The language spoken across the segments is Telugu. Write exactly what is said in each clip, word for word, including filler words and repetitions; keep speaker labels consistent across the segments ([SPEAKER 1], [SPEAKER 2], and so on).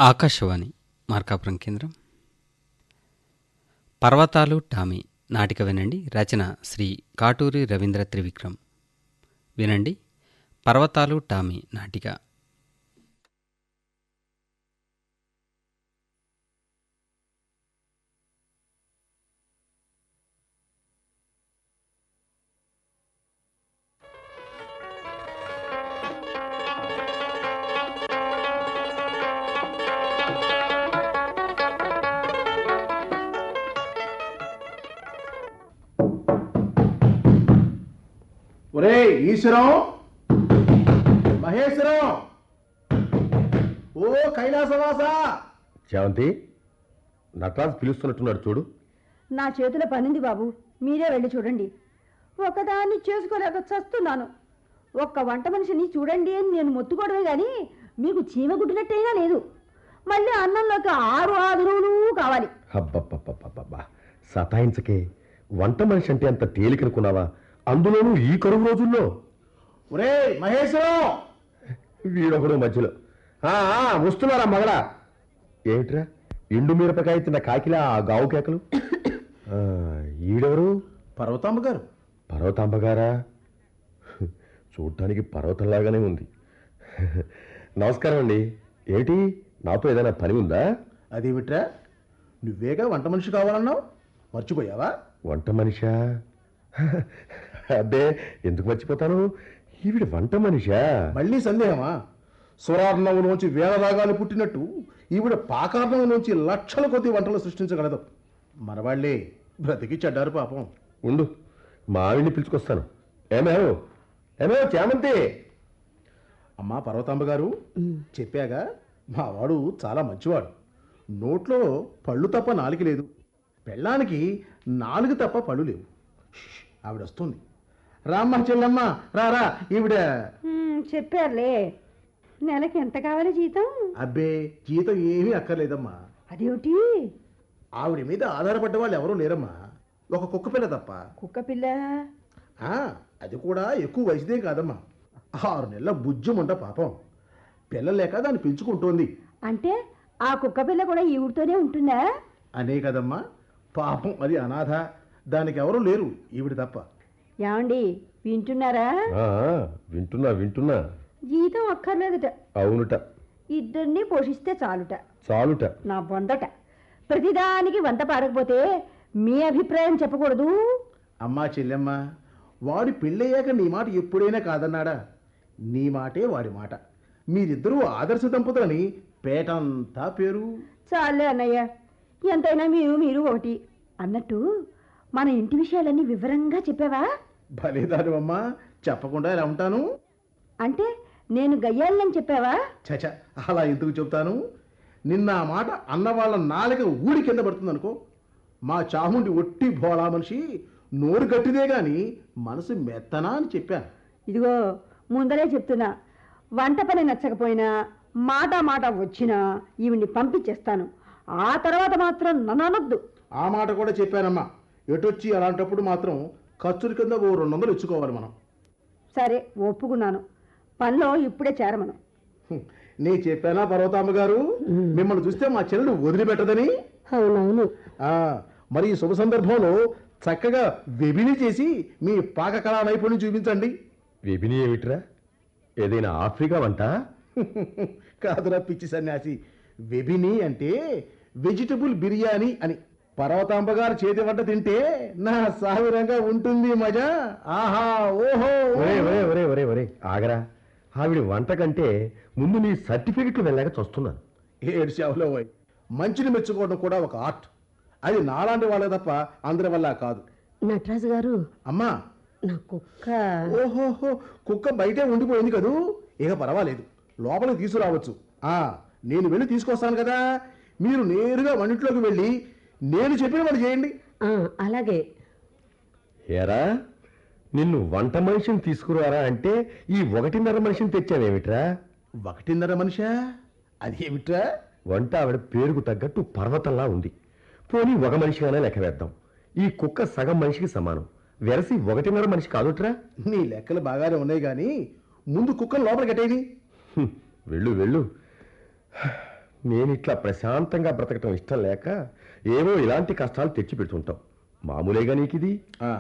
[SPEAKER 1] ఆకాశవాణి మార్కాపురం కేంద్రం. పర్వతాలు టామీ నాటిక వినండి. రచన శ్రీ కాటూరి రవీంద్ర త్రివిక్రమ్. వినండి పర్వతాలు టామీ నాటిక.
[SPEAKER 2] ఒరే ఈశ్వరం, మహేశ్వరం, ఓ కైలాసవాస.
[SPEAKER 3] శాంతి, నటరాజు పిలుస్తున్నట్టున్నాడు చూడు.
[SPEAKER 4] నా చేతుల పనింది బాబు, మీరే వెళ్ళి చూడండి. ఒకదాన్ని చేసుకోలేక చస్తున్నాను. ఒక్క వంట మనిషిని చూడండి అని నేను మొత్తుకోవడమే కానీ మీకు చీమ గుడ్డినట్టయినా లేదు. మళ్ళీ అన్నంలోకి ఆరు ఆదురువులు కావాలి.
[SPEAKER 3] అబ్బబ్బబ్బబ్బబ్బా, సతాయించకే. వంట మనిషి అంటే అంత తేలికనుకున్నావా? అందులోనూ ఈ కరువు రోజుల్లో.
[SPEAKER 2] ఒరే మహేశ్వరం,
[SPEAKER 3] వీడొకడు మధ్యలో. ఆ వస్తున్నారా మగడా? ఏమిట్రా ఎండు మిరపకాయ తిన్న కాకిలా ఆ గావు కేకలు? ఈడెవరు?
[SPEAKER 2] పర్వతాంబ గారు.
[SPEAKER 3] పర్వతాంబ గారా? చూడటానికి పర్వతంలాగానే ఉంది. నమస్కారం అండి. ఏమిటి, నాతో ఏదైనా పని ఉందా?
[SPEAKER 2] అదేమిట్రా, నువ్వేగా వంట మనిషి కావాలన్నావు, మర్చిపోయావా?
[SPEAKER 3] వంట మనిషా? అబ్బే, ఎందుకు మర్చిపోతాను. ఈవిడ వంట మనిషా?
[SPEAKER 2] మళ్ళీ సందేహమా? స్వరార్ణంలోంచి వేల రాగాలు పుట్టినట్టు ఈవిడ పాకార్ణం నుంచి లక్షల కొద్ది వంటలు సృష్టించగలదు. మనవాళ్లే బ్రతికి చెడ్డారు పాపం.
[SPEAKER 3] ఉండు, మా ఆవిడ్ని పిలుచుకొస్తాను. ఏమేవ్ ఏమేవ్ చామంతి.
[SPEAKER 2] అమ్మా పర్వతాంబ గారు, చెప్పాగా మా వాడు చాలా మంచివాడు. నోట్లో పళ్ళు తప్ప నాలుగు లేదు, పెళ్ళానికి నాలుగు తప్ప పళ్ళు లేవు. ఆవిడ వస్తుంది. రామ్మ చెల్లమ్మ, రారా. ఈవిడ
[SPEAKER 4] చెప్పారులే. నెలకి ఎంత కావాలి జీతం?
[SPEAKER 2] అబ్బే, జీతం ఏమీ అక్కర్లేదమ్మా.
[SPEAKER 4] అదేమిటి?
[SPEAKER 2] ఆవిడ మీద ఆధారపడ్డ వాళ్ళు ఎవరూ లేరమ్మా, ఒక కుక్క పిల్ల తప్ప.
[SPEAKER 4] కుక్క పిల్ల?
[SPEAKER 2] అది కూడా ఎక్కువ వయసుదే కాదమ్మా. ఆరు నెలల బుజ్జుమంట పాపం. పిల్ల లేక దాన్ని పెంచుకుంటోంది.
[SPEAKER 4] అంటే ఆ కుక్క పిల్ల కూడా ఈవిడితోనే ఉంటుందా?
[SPEAKER 2] అనే కదమ్మా, పాపం అది అనాథ. దానికి ఎవరూ లేరు, ఈవిడ తప్ప.
[SPEAKER 4] ఏమండి, వింటున్నారా?
[SPEAKER 3] వింటున్నా వింటున్నా.
[SPEAKER 4] జీతం అక్కర్లేదుట.
[SPEAKER 3] అవునుట.
[SPEAKER 4] ఇద్దరిని పోషిస్తే చాలుట.
[SPEAKER 3] చాలుట
[SPEAKER 4] నా వందట. ప్రతిదానికి వంట పాడకపోతే మీ అభిప్రాయం చెప్పకూడదు.
[SPEAKER 2] అమ్మా చెల్లెమ్మ, వాడి పెళ్ళయ్యాక నీ మాట ఎప్పుడైనా కాదన్నాడా? నీ మాటే వాడి మాట. మీరిద్దరూ ఆదర్శ దంపతులని పేటంతా పేరు.
[SPEAKER 4] చాలే అన్నయ్య, ఎంతైనా మీరు మీరు ఒకటి. అన్నట్టు మన ఇంటి విషయాలన్నీ వివరంగా చెప్పావా?
[SPEAKER 2] భలేదాను అమ్మా, చెప్పకుండా ఎలా ఉంటాను?
[SPEAKER 4] అంటే నేను గయ్యాలని చెప్పావా?
[SPEAKER 2] చచ, అలా ఎందుకు చెప్తాను? నిన్న ఆ మాట అన్న వాళ్ళ నాలుక ఊడి కింద పడుతుంది అనుకో. మా చాముండి ఒట్టి భోళా మనిషి, నోరు గట్టిదే గాని మనసు మెత్తనా అని చెప్పాను.
[SPEAKER 4] ఇదిగో ముందరే చెప్తున్నా, వంట పని నచ్చకపోయినా మాట మాట వచ్చినా ఈవిడ్ని పంపించేస్తాను. ఆ తర్వాత మాత్రం నన్ను అనొద్దు.
[SPEAKER 2] ఆ మాట కూడా చెప్పానమ్మా. ఎటొచ్చి అలాంటప్పుడు మాత్రం ఖర్చుల కింద ఓ రెండు వందలు ఇచ్చుకోవాలి మనం.
[SPEAKER 4] సరే, ఒప్పుకున్నాను. పనిలో ఇప్పుడే చేరమను.
[SPEAKER 2] నీ చెప్పానా పర్వతాంబ గారు, మిమ్మల్ని చూస్తే మా చెల్లెలు వదిలిపెట్టదని?
[SPEAKER 4] అవునవును.
[SPEAKER 2] మరి ఈ శుభ సందర్భంలో చక్కగా వెబిని చేసి మీ పాక కళా నైపుణ్యం చూపించండి.
[SPEAKER 3] వెబిని ఏమిట్రా? ఏదైనా ఆఫ్రికా వంట?
[SPEAKER 2] కాదురా పిచ్చి సన్యాసి, వెబిని అంటే వెజిటబుల్ బిర్యానీ అని. పర్వతాంబ గారు చేతి వంట తింటే నా సావిరంగా ఉంటుంది మజా. ఆహా, ఓహో.
[SPEAKER 3] ఒరే ఒరే ఒరే ఒరే ఒరే ఆగరా. ఆవిడ వంట కంటే ముందు నీ సర్టిఫికెట్లు వెళ్ళాక చూస్తున్నాను.
[SPEAKER 2] ఏడు సేవలో పోయి మంచిని మెచ్చుకోవడం కూడా ఒక ఆర్ట్. అది నాలాంటి వాళ్ళ తప్ప అందరి వల్ల కాదు.
[SPEAKER 4] నటరాజు గారు,
[SPEAKER 2] అమ్మా
[SPEAKER 4] నా కుక్క.
[SPEAKER 2] ఓహోహో, కుక్క బయటే ఉండిపోయింది కదూ. ఇక పర్వాలేదు, లోపలికి తీసుకురావచ్చు. ఆ నేను వెళ్ళి తీసుకొస్తాను కదా. మీరు నేరుగా వంటింట్లోకి వెళ్ళి నేను చెప్పిన పని చేయండి.
[SPEAKER 4] అలాగే.
[SPEAKER 3] ఏరా, నిన్ను వంట మనిషిని తీసుకురారా అంటే ఈ ఒకటిన్నర మనిషిని తెచ్చావేమిట్రా?
[SPEAKER 2] ఒకటిన్నర మనిషా? అదేమిట్రా?
[SPEAKER 3] వంట ఆవిడ పేరుకు తగ్గట్టు పర్వతంలా ఉంది. పోనీ ఒక మనిషిగానే లెక్క వేద్దాం. ఈ కుక్క సగం మనిషికి సమానం. వెరసి ఒకటిన్నర మనిషి కాదుట్రా.
[SPEAKER 2] నీ లెక్కలు బాగానే ఉన్నాయి కానీ ముందు కుక్కను లోపల కట్టేది.
[SPEAKER 3] వెళ్ళు వెళ్ళు. నేను ఇట్లా ప్రశాంతంగా బ్రతకటం ఇష్టం లేక ఏవో ఇలాంటి కష్టాలు తెచ్చి పెడుతుంటాం. మామూలేగా నీకిది.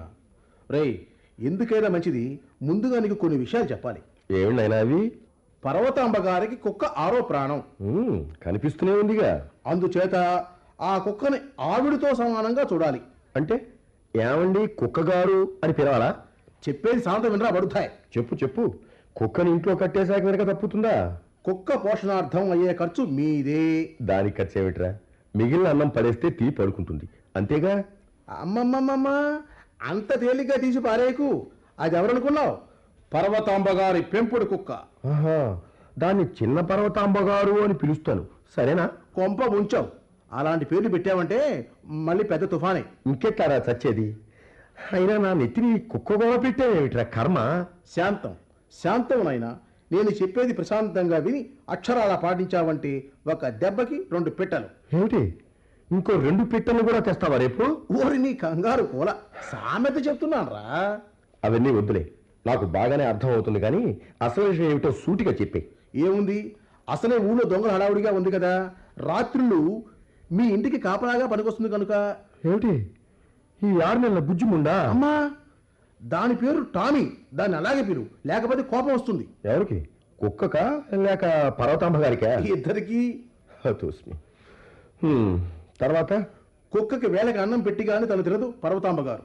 [SPEAKER 2] రేయ్, ఎందుకైనా మంచిది ముందుగా నీకు కొన్ని విషయాలు చెప్పాలి.
[SPEAKER 3] ఏమినైనా అవి?
[SPEAKER 2] పర్వతాంబ గారికి కుక్క ఆరో ప్రాణం.
[SPEAKER 3] ఉమ్, కనిపిస్తూనే ఉందిగా.
[SPEAKER 2] అందుచేత ఆ కుక్కని ఆవిడితో సమానంగా చూడాలి.
[SPEAKER 3] అంటే ఏమండి కుక్కగారు అని పిలవాలా?
[SPEAKER 2] చెప్పేది శాంతం వినరా పడుతాయి.
[SPEAKER 3] చెప్పు చెప్పు. కుక్కని ఇంట్లో కట్టేశాక వెనక తప్పుతుందా?
[SPEAKER 2] కుక్క పోషణార్థం అయ్యే ఖర్చు మీదే.
[SPEAKER 3] దానికి ఖర్చు ఏమిట్రా? మిగిలిన అన్నం పడేస్తే తీ పడుకుంటుంది, అంతేగా?
[SPEAKER 2] అమ్మమ్మమ్మమ్మ, అంత తేలిగ్గా తీసి పారేకు. అది ఎవరనుకున్నావు? పర్వతాంబ గారి పెంపుడు కుక్క.
[SPEAKER 3] ఆహా, దాన్ని చిన్న పర్వతాంబగారు అని పిలుస్తాను, సరేనా?
[SPEAKER 2] కొంప ముంచావు. అలాంటి పేర్లు పెట్టావంటే మళ్ళీ పెద్ద తుఫానే.
[SPEAKER 3] ఇంకెట్లారా చచ్చేది? అయినా నా నెత్తిని కుక్క గోడ పెట్టావేమిట్రా కర్మ?
[SPEAKER 2] శాంతం శాంతం నాయనా, నేను చెప్పేది ప్రశాంతంగా విని అక్షరాలా పాటించావంటే ఒక దెబ్బకి రెండు పిట్టలు.
[SPEAKER 3] ఏమిటి, ఇంకో రెండు పిట్టలు కూడా తెస్తావా రేపు?
[SPEAKER 2] ఊరి నీ కంగారు కూల సామెత చెప్తున్నాను రా.
[SPEAKER 3] అవన్నీ వద్దులే, నాకు బాగానే అర్థం అవుతుంది. కానీ అసలు విషయం ఏమిటో సూటిగా చెప్పే.
[SPEAKER 2] ఏముంది, అసలే ఊళ్ళో దొంగల హడావుడిగా ఉంది కదా. రాత్రులు మీ ఇంటికి కాపలాగా పనికొస్తుంది కనుక.
[SPEAKER 3] ఏమిటి, ఈ ఆరు నెలల బుజ్జిముండా?
[SPEAKER 2] అమ్మా, దాని పేరు టామీ. దాన్ని అలాగే పిలు, లేకపోతే కోపం వస్తుంది.
[SPEAKER 3] ఎవరికి? కుక్కకా లేక పర్వతాంబ గారికా?
[SPEAKER 2] ఇద్దరికి.
[SPEAKER 3] తోస్మి. హ్మ్, తర్వాత?
[SPEAKER 2] కుక్కకి వేళకి అన్నం పెట్టిగానే తను తినదు పర్వతాంబ గారు.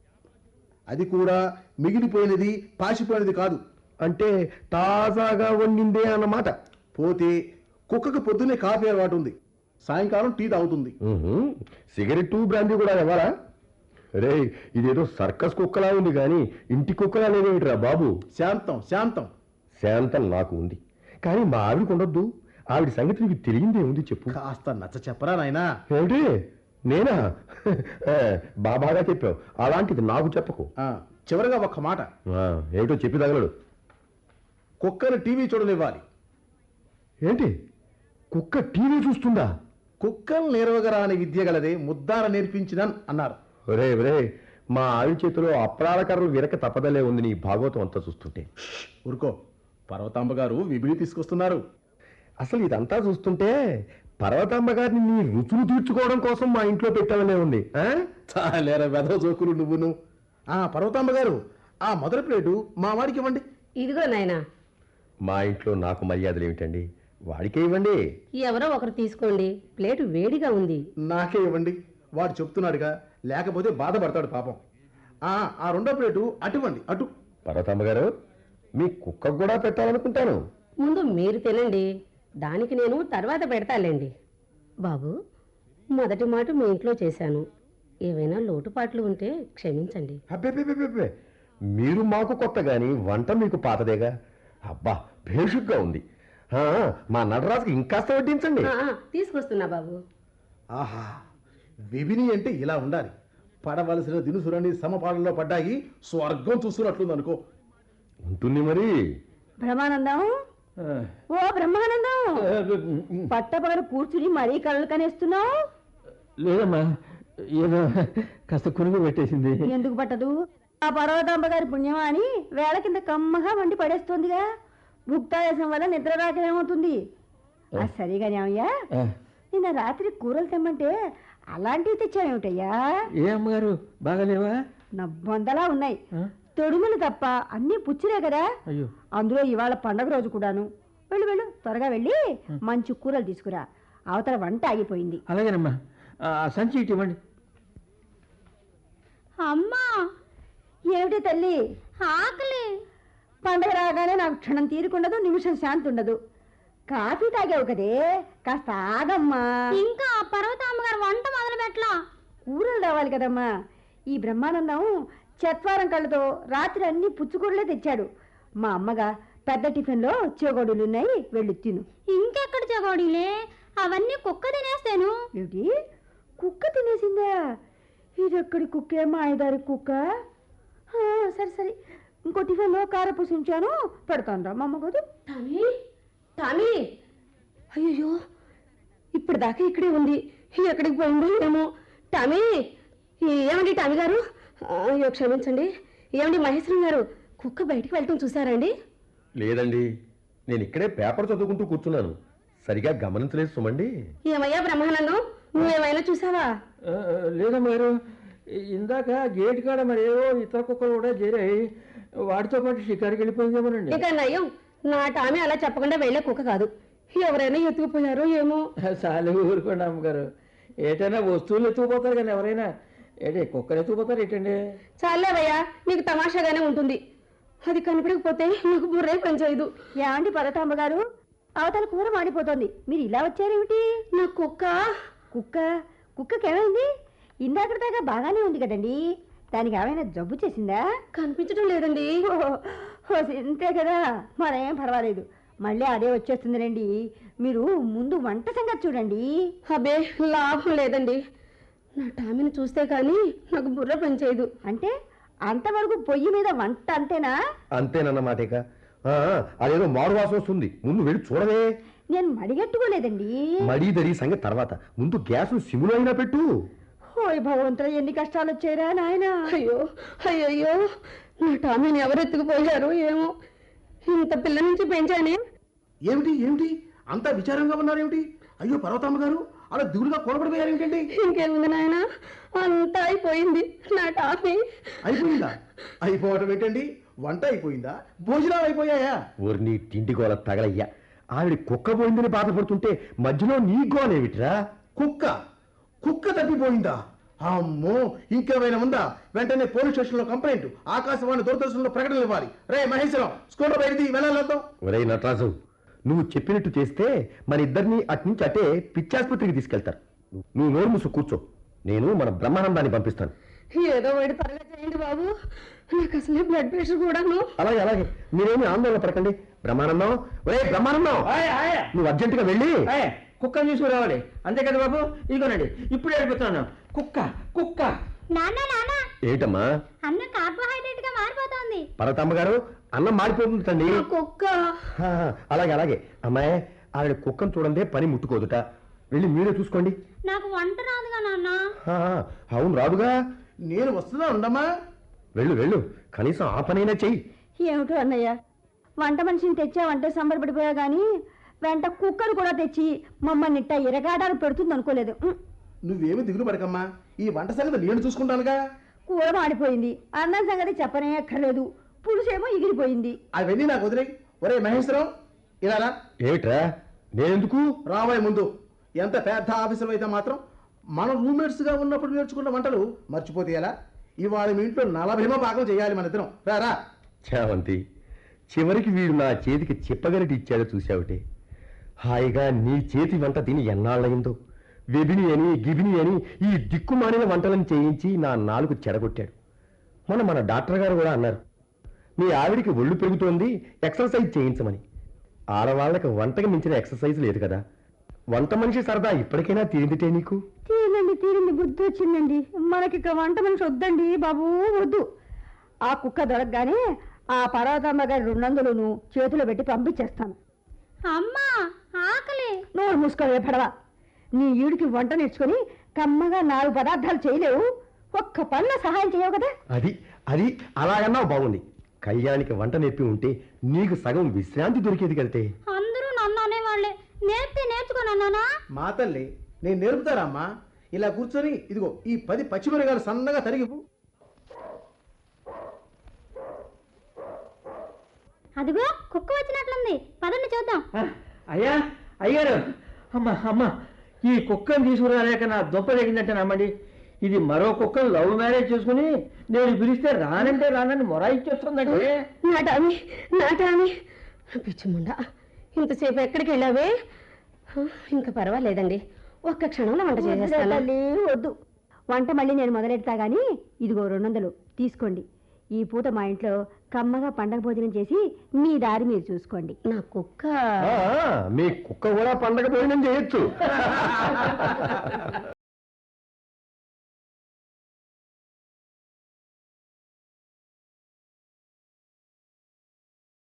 [SPEAKER 2] అది కూడా మిగిలిపోయినది పాసిపోయినది కాదు.
[SPEAKER 3] అంటే తాజాగా వండిందే అన్నమాట.
[SPEAKER 2] పోతే కుక్కకు పొద్దున్నే కాఫీ అలవాటు ఉంది, సాయంకాలం టీ తాగుతుంది.
[SPEAKER 3] ఉహుం, సిగరెట్టు బ్రాందీ కూడా ఇవ్వాలా? రే, ఇదేదో సర్కస్ కుక్కలా ఉంది కానీ ఇంటి కుక్కలా లేదేమిట్రా బాబు?
[SPEAKER 2] శాంతం శాంతం
[SPEAKER 3] శాంతం నాకు ఉంది, కానీ మా ఆవిడకు ఉండొద్దు. ఆవిడ సంగతి నీకు తెలియందే ఉంది, చెప్పు.
[SPEAKER 2] కాస్త నచ్చ చెప్పరా నాయనా.
[SPEAKER 3] ఏమిటి, నేనా? బాబాగా చెప్పావు, అలాంటిది నాకు చెప్పకు.
[SPEAKER 2] ఆ, చివరిగా ఒక్క మాట.
[SPEAKER 3] ఆ, ఏమిటో చెప్పి తగలడు.
[SPEAKER 2] కుక్కను టీవీ చూడనివ్వాలి.
[SPEAKER 3] ఏంటి, కుక్క టీవీ చూస్తుందా?
[SPEAKER 2] కుక్కలు నేర్వగరాని విద్య గలదే ముద్దార నేర్పించినన్ అన్నారు.
[SPEAKER 3] ఒరే ఒరే, మా ఆవిడ చేతిలో అప్రాల కర్రలు విరక తప్పదలే ఉంది నీ భాగవతం అంతా చూస్తుంటే.
[SPEAKER 2] ఊరుకో, పర్వతాంబ గారు విబిడి తీసుకొస్తున్నారు.
[SPEAKER 3] అసలు ఇదంతా చూస్తుంటే పర్వతాంబ గారిని నీ రుచులు తీర్చుకోవడం కోసం మా ఇంట్లో పెట్టాలనే ఉంది. ఆ?
[SPEAKER 2] చాలేరా వెధవ జోకులు నువ్వును. ఆ పర్వతాంబ గారు, ఆ మొదటి ప్లేటు మా వాడికి ఇవ్వండి.
[SPEAKER 5] ఇదిగో నాయనా.
[SPEAKER 3] మా ఇంట్లో నాకు మర్యాదలు ఏమిటండి? వాడికే ఇవ్వండి.
[SPEAKER 5] ఎవరో ఒకరు తీసుకోండి, ప్లేటు వేడిగా ఉంది.
[SPEAKER 2] నాకే ఇవ్వండి, వాడు చెప్తున్నాడుగా, లేకపోతే బాధపడతాడు పాపం. ఆ ఆ రెండో ప్లేటు అటువ్వండి, అటు.
[SPEAKER 3] పర్వతాంబ గారు, మీ కుక్కకు కూడా పెట్టాలనుకుంటాను.
[SPEAKER 5] ముందు మీరు తినండి, దానికి నేను తర్వాత పెడతాలేండి. బాబు, మొదటి మాట మీ ఇంట్లో చేశాను, ఏవైనా లోటుపాట్లు ఉంటే క్షమించండి.
[SPEAKER 3] అబ్బే, మీరు మాకు కొత్త గాని వంట మీకు పాతదేగా. అబ్బా, భేషుగ్గా ఉంది. ఆ, మా నటరాజుకి ఇంకాస్త వడ్డించండి.
[SPEAKER 5] ఆ, ఆ, తీసుకొస్తున్నా బాబు.
[SPEAKER 2] ఆహా, విభిని అంటే ఇలా ఉండాలి. పడవలసిన దినుసులన్నీ సమపాలనలో పడ్డాయి, స్వర్గం చూస్తున్నట్లుంది అనుకో.
[SPEAKER 3] ఉంటుంది మరి.
[SPEAKER 4] బ్రహ్మానందం, ఓ బ్రహ్మానందం, పట్టపగలు కూర్చుని మరీ కళ్ళు కనేస్తున్నావు.
[SPEAKER 6] లేదమ్మా, ఏదో కాస్త కునుగు పెట్టేసింది.
[SPEAKER 4] ఎందుకు పట్టదు? ఆ పర్వతాంబ గారి పుణ్యమా అని వేళ కింద కమ్మగా వండి పడేస్తోందిగా. భుక్తాయాసం వల్ల నిద్ర రాకనేమవుతుంది. ఆ సరిగానే అయ్యా,
[SPEAKER 6] ఆ,
[SPEAKER 4] నిన్న రాత్రి కూరలు తెమ్మంటే అలాంటివి తెచ్చావేమిటయ్యా?
[SPEAKER 6] ఏ అమ్మగారు బాగాలేవా?
[SPEAKER 4] నా బొందలా ఉన్నాయి,
[SPEAKER 6] ఆ?
[SPEAKER 4] తొడుములు తప్ప అన్నీ పుచ్చిరే కదా.
[SPEAKER 6] అయ్యో,
[SPEAKER 4] అందులో ఇవాళ పండగ రోజు కూడాను. వెళ్ళు వెళ్ళు, త్వరగా వెళ్ళి మంచి కూరలు తీసుకురా, అవతల వంట ఆగిపోయింది.
[SPEAKER 6] అలాగేనమ్మా. ఆ సంచి ఇటు ఇవ్వండి.
[SPEAKER 4] అమ్మా, ఏమిటి తల్లి ఆకలి? పండగ రాగానే నాకు క్షణం తీరుకుండదు, నిమిషం శాంతి ఉండదు. కాఫీ తాగావు కదే, కాస్త ఆగమ్మా. ఇంకా పర్వతామ్మగారు వంట మొదలు పెట్టలా, కూరలు రావాలి కదమ్మా. ఈ బ్రహ్మానందం చత్వారం కళ్ళతో రాత్రి అన్ని పుచ్చుకూరలే తెచ్చాడు. మా అమ్మగా పెద్ద టిఫిన్లో చెగోడీలున్నాయి, వెళ్ళి తిను. ఇంకెక్కడ చెగోడీలే, అవన్నీ కుక్క తినేస్తాను. ఏమిటి, కుక్క తినేసిందా? ఇదెక్కడి కుక్కే, మాయదారి కుక్క. ఆ, సరే సరే, ఇంకో టిఫిన్లో కారపూసి ఉంచాను, పెడతాను రా మా అమ్మ కాదు.
[SPEAKER 5] టామీ, టామీ,
[SPEAKER 4] అయ్యో, ఇప్పుడు దాకా ఇక్కడే ఉంది, ఎక్కడికి పోయిందో ఏమో.
[SPEAKER 5] టామీ, ఏమండి టామీ గారు? అయ్యో క్షమించండి. ఏమండి మహేశ్వరం గారు, కుక్క బయటికి వెళ్ళటం చూసారండి?
[SPEAKER 3] లేదండి, నేను ఇక్కడే పేపర్ చదువుకుంటూ కూర్చున్నాను. సరిగా గమనించలేదు సుమండి.
[SPEAKER 5] ఏమయ్యా బ్రహ్మానందం, నువ్వేమైనా చూసావా?
[SPEAKER 6] ఆ, లేదమ్మ గారు, ఇందాక గేట్ కాడ మరి ఏవో ఇతర కుక్కలు కూడా చేరాయి, వాటితో పాటు షికారుకి వెళ్ళిపోయిందేమోనండి.
[SPEAKER 5] ఇక నయం, నా టామీ అలా చెప్పకుండా వెళ్ళే కుక్క కాదు. ఎవరైనా ఎత్తుకుపోయారో ఏమో.
[SPEAKER 6] చాలు ఊరుకోండి అమ్మగారు, ఏటైనా వస్తువులు ఎత్తుకుపోతారు కానీ ఎవరైనా ఏంటి కుక్కలు ఎత్తుకుపోతారు ఏంటండి?
[SPEAKER 5] చాలేవయ్యా, నీకు తమాషాగానే ఉంటుంది. అది కనపడకపోతే నాకు బుర్రే పనిచేయదు.
[SPEAKER 4] ఏమండి పర్వతాంబ గారు, అవతల కూర మాడిపోతుంది, మీరు ఇలా వచ్చారేమిటి?
[SPEAKER 5] నా కుక్క
[SPEAKER 4] కుక్క కుక్కకేమైంది? ఇందాక దాకా బాగానే ఉంది కదండి, దానికి ఏమైనా జబ్బు చేసిందా?
[SPEAKER 5] కనిపించడం లేదండి.
[SPEAKER 4] ఓ, ఓ, ఇంతే కదా, మరేం పర్వాలేదు, మళ్ళీ అదే వచ్చేస్తుంది రండి. మీరు ముందు వంట సంగతి చూడండి.
[SPEAKER 5] అబ్బే లాభం లేదండి, నా టామీని చూస్తే కానీ నాకు బుర్ర పనిచేయదు.
[SPEAKER 4] అంటే అంతవరకు పొయ్యి మీద వంట అంతేనా?
[SPEAKER 3] అంతేనన్నమాటేక. అదేదో మారు వాసన వస్తుంది, ముందు వెళ్ళి చూడవే.
[SPEAKER 4] నేను మడిగట్టుకోలేదండి.
[SPEAKER 3] మడి దడి సంగతి తర్వాత, ముందు గ్యాస్ సిములో అయినా పెట్టు.
[SPEAKER 4] ఓయ్ భగవంతుడా, ఎన్ని కష్టాలు వచ్చారా నాయన.
[SPEAKER 5] అయ్యో అయ్యయ్యో, నా టామీని ఎవరు ఎత్తుకుపోయారు ఏమో. ఇంత పిల్ల నుంచి పెంచానే.
[SPEAKER 2] ఏమిటి ఏమిటి అంతా విచారంగా ఉన్నారేమిటి? అయ్యో పర్వతమ్మ గారు, అలా దిగులుగా కూలబడిపోయారు ఏమిటండి?
[SPEAKER 5] ఇంకేముంది నాయన, అంతా అయిపోయింది. నా టామీ
[SPEAKER 2] అయిపోయిందా? అయిపోవటం ఏంటండి, వంట అయిపోయిందా, భోజనాలు అయిపోయాయా?
[SPEAKER 3] ఊరిని తిండి గోల తగలయ్యా. ఆవిడ కుక్క పోయిందని బాధపడుతుంటే మధ్యలో నీ గోలేమిట్రా?
[SPEAKER 2] కుక్క కుక్క తప్పిపోయిందా? అమ్మో, ఇంకేమైనా ఉందా? వెంటనే పోలీస్ స్టేషన్లో కంప్లైంట్, ఆకాశవాణి దూరదర్శన్లో ప్రకటనలు ఇవ్వాలి. రే మహేశ్వరం, స్కూటర్ బయటిది వెళ్ళాలొద్దాం.
[SPEAKER 3] ఒరే నటరాజు, నువ్వు చెప్పినట్టు చేస్తే మన ఇద్దరిని అట్నుంచి అటే పిచ్చాసుపత్రికి తీసుకెళ్తారు. నువ్వు నోరు మూసు కూర్చో, నేను మన బ్రహ్మానందాన్ని పంపిస్తాను.
[SPEAKER 5] ఏదో వాడి త్వరగా చేయండి బాబు, నాకు అసలే బ్లడ్ ప్రెషర్ కూడాను.
[SPEAKER 3] అలాగే అలాగే, మీరేమి ఆందోళన పడకండి. బ్రహ్మానందం, ఒరే బ్రహ్మానందం,
[SPEAKER 6] ఆయ్, ఆయ్,
[SPEAKER 3] నువ్వు అర్జెంటుగా వెళ్ళి
[SPEAKER 6] ఆయ్, కుక్కను తీసుకురావాలి. అంతే కదా బాబు, ఇదిగోనండి ఇప్పుడే వెళ్ళిపోతున్నాను. కుక్క కుక్క
[SPEAKER 7] నాన్న నాన్న,
[SPEAKER 3] ఏటమ్మా?
[SPEAKER 7] అన్నం కార్బోహైడ్రేట్ గా మారిపోతోంది.
[SPEAKER 3] పర్వతమ్మ గారు, అన్నం మారిపోతుందండి.
[SPEAKER 5] నా కుక్క
[SPEAKER 3] హా, అలాగే అలాగే. అమ్మాయి, ఆవిడ కుక్కను చూడందే పని ముట్టుకోదుట. వెళ్ళి మీరే చూసుకోండి.
[SPEAKER 7] నాకు వంట రాదుగా నాన్న.
[SPEAKER 3] హా, అవును రాదుగా.
[SPEAKER 2] నేను వస్తున్నా ఉండమ్మా.
[SPEAKER 3] వెళ్ళు వెళ్ళు, కనీసం ఆ పనైనా చెయ్యి.
[SPEAKER 4] ఏమిటో అన్నయ్య, వంట మనిషిని తెచ్చావంటే సంబరపడిపోయా గానీ వెంట కుక్కను కూడా తెచ్చి మమ్మల్ని ఇట్ట ఇరగాడాలు పెడుతుంది అనుకోలేదు. ఉమ్,
[SPEAKER 2] నువ్వేమి దిగులు పడకమ్మా, ఈ వంట సంగతి నేను చూసుకుంటానుగా.
[SPEAKER 4] కూర మాడిపోయింది, అన్నం సంగతి చెప్పనే అక్కర్లేదు, పులుసేమో ఎగిరిపోయింది.
[SPEAKER 2] అవన్నీ నాకు వదిలేయి. ఒరే మహేశ్వరం, ఇలా రా.
[SPEAKER 3] ఏమిట్రా, నేనెందుకు?
[SPEAKER 2] రాబోయే ముందు ఎంత పెద్ద ఆఫీసర్ అయితే మాత్రం మనం రూమ్మేట్స్ గా ఉన్నప్పుడు నేర్చుకున్న వంటలు మర్చిపోతే ఎలా? ఇవాళ మీ ఇంట్లో నలభైమో పాకం చేయాలి మన ఇద్దరం. రా రా.
[SPEAKER 3] చావంతి, చివరికి వీడు నా చేతికి చిప్పగలిటి ఇచ్చాడో చూశావుటే. హాయిగా నీ చేతి వంట తిని ఎన్నాళ్ళయిందో. వెబిని అని గిబిని అని ఈ దిక్కుమాలిన వంటలను చేయించి నా నాలుగు చెడగొట్టాడు. మొన్న మన డాక్టర్ గారు కూడా అన్నారు, మీ ఆవిడికి ఒళ్ళు పెరుగుతోంది, ఎక్సర్సైజ్ చేయించమని. ఆడవాళ్ళకి వంటకి మించిన ఎక్సర్సైజ్ లేదు కదా. వంట మనిషి సరదా ఇప్పటికైనా తీరిందిటే నీకు?
[SPEAKER 4] తీరిందండి తీరింది, బుద్ధి వచ్చిందండి. మనకి ఇక వంట మనిషి వద్దండి బాబు, వద్దు. ఆ కుక్క దొరకగానే ఆ పర్వతమ్మ గారి రెండొందలను చేతిలో పెట్టి పంపించేస్తాను.
[SPEAKER 7] అమ్మా ఆకలి.
[SPEAKER 4] నోరు మూసుకోవే పడవ. నీ ఈడికి వంట నేర్చుకొని కమ్మగా నాలుగు పదార్థాలు చేయలేవు, ఒక్క పనిలో సహాయం చేయవు కదా.
[SPEAKER 3] అది అది అలాగన్నావు బాగుంది. కళ్యాణికి వంట నేర్పి ఉంటే నీకు సగం విశ్రాంతి దొరికేది కడితే.
[SPEAKER 7] అందరూ నన్ను అనేవాళ్లే, నేర్పితే నేర్చుకోనన్నానా?
[SPEAKER 2] మా తల్లి, నేను నేర్పుతారమ్మా. ఇలా కూర్చొని ఇదిగో ఈ పది పచ్చిమిరగాయలు సన్నగా తరిగిపు.
[SPEAKER 7] అదిగో కుక్క వచ్చినట్లుంది, పదండి చూద్దాం.
[SPEAKER 6] ఆ, అయ్యా అయ్యారు, అమ్మ అమ్మ, ఈ కుక్కను తీసుకురాలేక నా దుంప తగిందంటే నమ్మండి. ఇది మరో కుక్కను లవ్ మ్యారేజ్ చేసుకుని నేను పిలిస్తే రానంటే రానని మొరాయిచ్చేస్తుందంటే.
[SPEAKER 5] నా టామీ నా టామీ పిచ్చిముండా, ఇంతసేపు ఎక్కడికి వెళ్ళావే? ఇంకా పర్వాలేదండి, ఒక్క క్షణంలో వంట
[SPEAKER 4] వద్దులే
[SPEAKER 5] చేసేస్తాను.
[SPEAKER 4] తల్లి, వద్దు. వంట మళ్ళీ నేను మొదలెడతా గానీ ఇదిగో రెండు వందలు తీసుకోండి. ఈ పూట మా ఇంట్లో కమ్మగా పండగ భోజనం చేసి మీ దారి మీరు చూసుకోండి.
[SPEAKER 5] నా కుక్క
[SPEAKER 3] ఆ, మీ కుక్క కూడా పండగ భోజనం చేయొచ్చు.